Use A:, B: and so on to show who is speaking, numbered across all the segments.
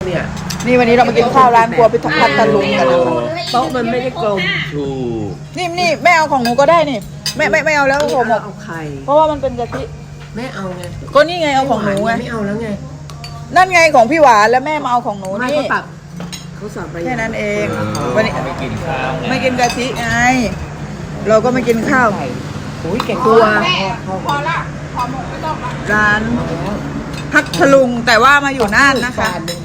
A: เนี่ย
B: นี่วันนี้เรามากินข้าวร้านครัวพิทักษ์พัทลุงกันนะคะ
A: โต๊ะมันไม่ได้กลม
C: ถูก
B: นี่แม่เอาของหนูก็ได้นี่ไม่เอาแล้วห่อหมก
A: เอาไข่
B: เพราะว่ามันเป็นกะทิ
A: แม่เอาไง
B: ก็นี่ไงเอาของหนูไง
A: ไม่เอาแล้วไง
B: นั่นไงของพี่หวานแล้วแม่มาเอาของหนู
A: ไม่
B: นี่
A: เขาตักเขาสั่งไป
B: แค่นั้นเอง
C: วั
B: วัน น
C: นี้
B: นี้
C: ไม่กินข้าวไง
B: ไม่กินกะทิไงเราก็ไม่กินข้าว
A: โอ้ยแกง
B: ตัว ร้านพัทลุงแต่ว่ามาอยู่น่านนะคะ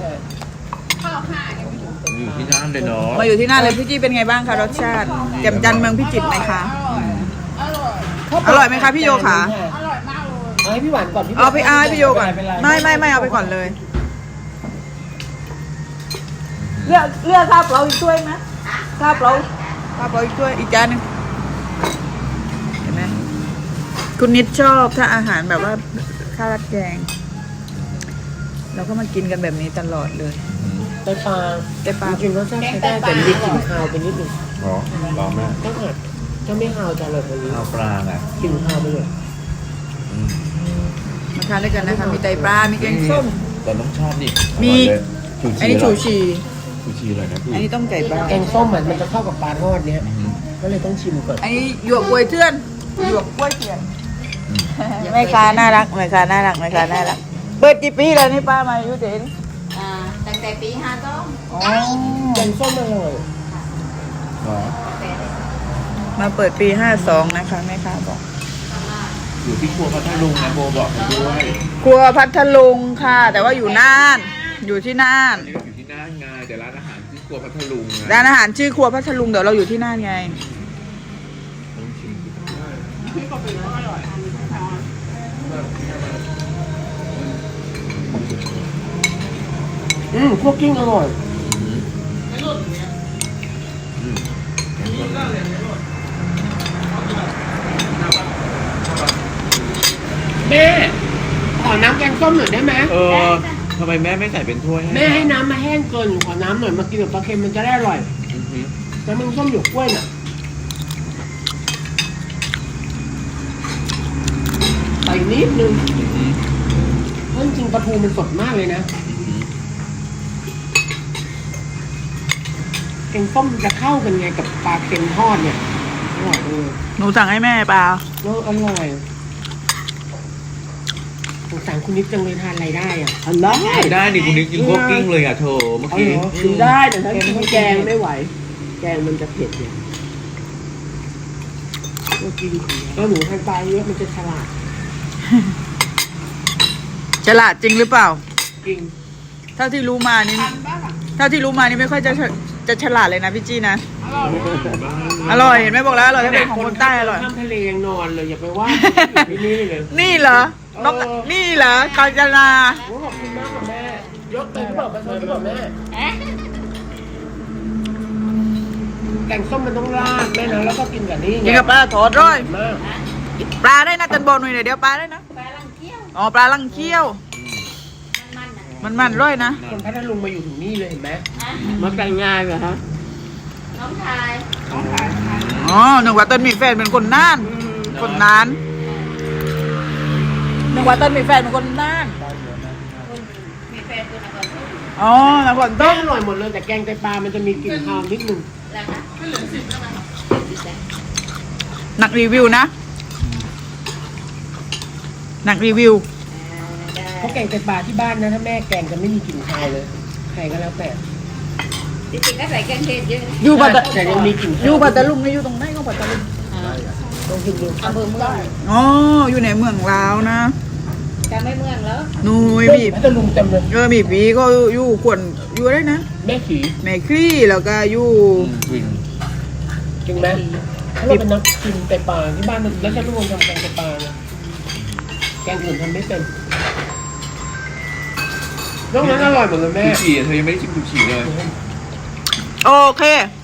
C: อยู่ที่นั่นเลยเนาะ
B: มาอยู่ที่น่านเลยพี่จี้เป็นไงบ้างคะรสชาติแจ่มจันทร์เมืองพิจิตรไหมคะ อร่อยไหมคะพี่โยขา
A: เอาให้พี่หวานก่อน
B: เอาพี่โยก่อนไม่เอาไปก่อนเลยเลือกข้าวเปล่าอีกถ้วยไหมข้าวเปล่าอีกถ้วยอีกจานหนึงเห็นไหมคุณนิดชอบถ้าอาหารแบบว่าข้าวราดแกง เราก็มากินกันแบบนี้ตลอดเลย
A: ไตปลา
B: แต่ปลา
A: จริงๆรสชาติใช้ได้แต่มีกลิ่นคาวไปนิดนึง
C: หรอลองแม่
A: ต้องหัดถ้าไม่คาวจะอร่อยกว่านี้
C: ข้าวปลาไง
A: กลิ่นคาวไปเลย
B: มาทานด้วยกันนะคะมีไตปลา มีแกงส้ม
C: แต่น้องชอบนี่
B: มี อันนี้
C: ชู
B: ชู
C: ชี
B: ชี
C: ชูชีเลยนะพี่
B: อันนี้ต้มไก่ปลา
A: แกงส้มมันจะเข้ากับปลาทอดเนี้ยก็เลยต้องชิมก่อน
B: อันนี้หยวกกล้วยเทื่อนหยวกกล้วยเทื่อนแม่ค้าน่ารักแม่ค้าน่ารักเปิดกี่ปีแล้วนี่ป้ามาอยู่เด่น
D: ตั้งแต่ปี52
B: อ๋อ
A: แกงส้มอร่อย
C: หรอ
B: มาเปิดปี52นะคะแม่ค้าบอก
C: อยู่ที่ครัวพัทลุงนะโบบอกให้ด้วย
B: ครัวพัทลุงค่ะ แต่ว่าอยู่น่าน อยู่ที่น่าน
C: อันนี้ก็อยู่ที่น่านไงแต่ร้านอาหารที่ครัวพัทลุงไง
B: ร้านอาหารชื่อครัวพัทลุงเดี๋ยวเราอยู่ที่น่านไง
C: ต้องชิม
A: พวกกิ้งอร่อยแม่ขอน้ำแกงส้มหน่อยได้ไหม
C: ทำไมแม่ไม่ใส่เป็นถ้วย
A: แม่ให้น้ำมาแห้งเกินขอน้ำหน่อยมากินกับปลาเค็มมันจะได้อร่อย
C: อือหือ
A: น้ำมันส้มหยวกกล้วยน่ะใส่นิดนึง
C: อือหือ
A: เพราะจริงๆปลาทูมันสดมากเลยนะ
C: อือหือ
A: แกงส้มจะเข้ากันไงกับปลาเค็มทอดเนี่ยอร่อยเลย
B: หนูสั่งให้แม่เปล่า
A: แล้วอร่อยสงสารคุณนิดจังเลยทานอะไรได้อ่ะทานได้
C: ได้นี่คุณนิกกินคั่วกลิ้งเลยอ่ะเธอเมื่อกี้
A: กินได้แต่ถ้ากินแกงไม่ไหว แกงมันจะเผ็ดเนี่ยก็กินก็หนูทานปลาเยอะมันจะฉลาด
B: ฉลาดจริงหรือเปล่า
A: จริง
B: เท่าที่รู้มานี่ไม่ค่อยจะฉลาดเลยนะพี่จี้นะ อร่อยเห็นไหมบอกแล้วอร่อยถ้าเป็นของคนใต้อร่อย
A: ข้ามทะเลยังนอนเลยอย่าไปว่าที่นี่เลย
B: นี่เหรอนกนี่เหรอกาญจนา
A: โอ้ขอบคุณมากค่ะแม่ยกเลยหรือเปล่าประชดหรือเปล่าแม่แกงส้มมันต้องราดแม่นะแล้วก็กินกับนี่
B: กินกับปลาถอดร้อย
A: มาก
B: ปลาได้นะตันบอลหน่อยเดี๋ยวปลาได้นะ
D: ปลาลังเกี้ยว
B: อ๋อปลาลังเคี้ยว มันร้อยนะ
A: คนพัทลุงมาอยู่ถึงนี่เลยเห็นไหมมาแต่งงานเหรอฮะ
D: น้องชาย
B: อ๋อหนึ่งว่าตันมีแฟนเป็นคนน่านคนน่านหนึ่งว่าตันมีแฟนเป็นคนน่าน
D: มีแฟนคนนครทุ่ง
B: อ๋อนคร
A: ต้
B: ต้
A: อ
B: ม
A: อร่อยหมดเลยแต่แกงไตปลามันจะมีกลิ่นคาวนิดนึง
D: แล้วนะ
B: หนักรีวิวนะหนักรีวิว
A: เพราะแกงไตปลาที่บ้านนะถ้าแม่แกงจะไม่มีกลิ่นคาวเลยใครก็แล้วแต่
D: จริงๆก็ใส่เครื่องเทศเยอะ
B: อยู่ปัตตา
A: แต่ยังมีกลิ่น
B: อยู่ปัตตาลุงนี่อยู่ตรงไหนของปัตตาลุง
A: ลองกินดู
D: อำเภอเมือง
B: อ๋ออยู่ในเมืองลาวนะ
D: จะไม่เมืองแล้ว
B: หนุยบีบ
A: พัทลุงเต็มเลย
B: มีปีก็อยู่ขวนอยู่ได้นะ
A: แม่ขี่
B: แม่คลี่แล้วก็อยู่
C: วิน
A: จริงไหมถ้าเราเป็นนักกินไตปลาที่บ้านแล้วฉันเป็นคนทำแกงไตปลานะแกงอื่นทำไม่เป็นนอกนั้นอร่อยหมดเลยแม่
C: ชูชีเธอยังไม่ได้ชิมชูชีเลย
B: โอเค